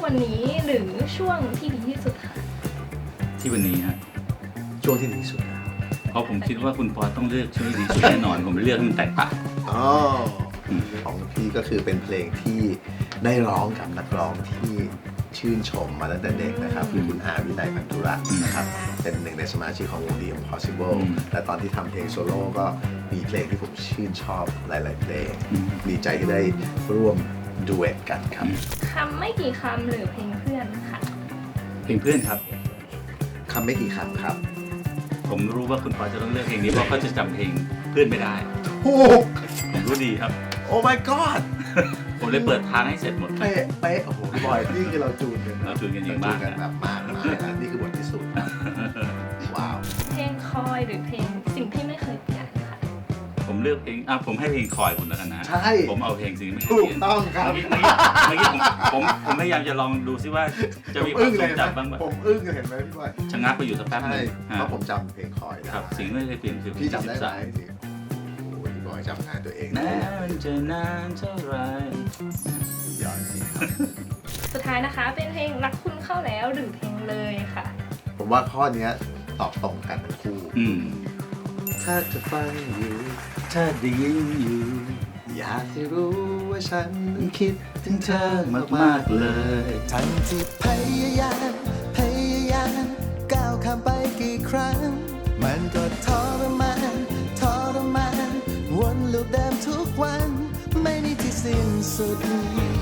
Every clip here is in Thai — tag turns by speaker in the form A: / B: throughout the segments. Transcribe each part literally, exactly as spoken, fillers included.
A: วันนี้หรือช่วงที่ดีที่สุดคะ
B: ที่วันนี้ฮะ
C: ช่วงที่ดีที่สุดแล้ว
B: เพราะผมคิดว่าคุณปอต้องเลือกช่วงที่ดีสุดแน่นอนผมเลือกให้มันแตกต่าง
C: อ๋อของพี่ก็คือเป็นเพลงที่ได้ร้องกับนักร้องที่ชื่นชมมาตั้งแต่เด็กนะครับคือคุณอาวินัยพันธุรัตน์นะครับเป็นหนึ่งในสมาชิกของวง The Impossible และตอนที่ทำเพลงโซโล่ก็มีเพลงที่ผมชื่นชอบหลายๆเพลงดีใจที่ได้ร่วมดูเอทกันครับ
A: คำไม่กี่คำหรือเพลงเพื่อนค่ะ
B: เพลงเพื่อนครับ
C: คำไม่กี่คำครับ
B: ผมรู้ว่าคุณปอจะต้องเลือกเพลงนี้เพราะเขาจะจำเพลงเพื่อนไม่ได้
C: ถูก
B: ผมรู้ดีครับ
C: โอ้ my god
B: ผมเลยเปิดทางให้เสร็จหมด
C: เป๊ะเป๊ะโอ้โหบอยนี่คือเราจูนกัน
B: เราจูนกันอย่างมาก
C: กันแบบมากมากนะนี่คือบทที่สุดว้าว
A: เพลงคอยหรือเพลงสิ่งที่ไม่เคยเปลี่ยนค่ะ
B: ผมเลือกเพลงอ่ะผมให้เพลงคอยคุณแล้วกันนะ
C: ใช่
B: ผมเอาเพลงสิ่งที่ไม่เคย
C: ถู
B: เปลี่ยน
C: กต้องครับ
B: เมื่อกี้ผมผมผมพยายามจะลองดูซิว่าจะมีความทรงจำบ้างไหม
C: ผมอึ้งเห็นไหมพี่บอย
B: ชะงักไปอยู่สักแป๊บนึง
C: เพราะผมจำเพลงคอย
B: ครับสิ่งไม่เคยเปลี่ยนคือ
C: พี่จำได้ไหมโอ้ยพี่บอยจำงานตัวเอง
B: นานจะนานเท่าไร
C: ยอดจริงครับ
A: สุดท้ายนะคะเป็นเพลงรักคุณเข้าแล้วหรือเพลงเลยค่ะ
C: ผมว่าข้อนี้ตอบตรงกันทั้งคู่ถ้าจะฟังอยู่
B: ถ้าได้ยินอยู่
C: อยากให้รู้ว่าฉันคิดถึงเธอมากๆเลย
D: ทั้งที่พยายามพยายามก้าวข้ามไปกี่ครั้งมันก็ทรมานทรมานวนลูปเดิมทุกวันไม่มีที่สิ้นสุด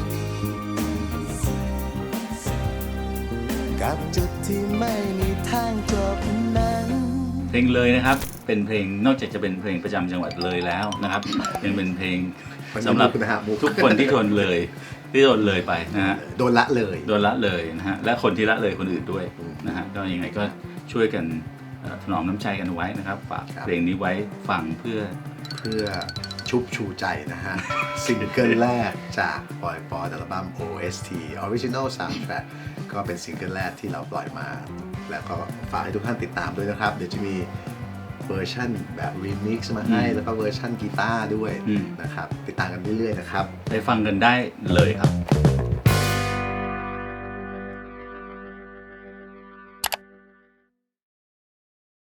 D: กับจุดที่ไม่มีทางจบนั้น
B: เพลงเลยนะครับเป็นเพลงนอกจากจะเป็นเพลงประจำจังหวัดเลยแล้วนะครับยังเป็นเพลงสำหรับทุกคนที่ทนเลยที่โดนเลยไปนะฮะ
C: โดนละเลย
B: โดนละเลยนะฮะและคนที่ละเลยคนอื่นด้วยนะฮะก็ยังไงก็ช่วยกันถนอมน้ำใจกันไว้นะครับฝากเพลงนี้ไว้ฟังเพื่อ
C: เพื่อชุบชูใจนะฮะซิงเกิลแรกจากปอยปออัลบั้ม โอ เอส ที Original Soundtrack ก็เป็นซิงเกิลแรกที่เราปล่อยมาแล้วก็ฝากให้ทุกท่านติดตามด้วยนะครับเดี๋ยวจะมีเวอร์ชันแบบรีมิกซ์มาให้แล้วก็เวอร์ชันกีตาร์ด้วยนะครับติดตามกันเรื่อยๆนะครับ
B: ไปฟังกันได้เลยครับ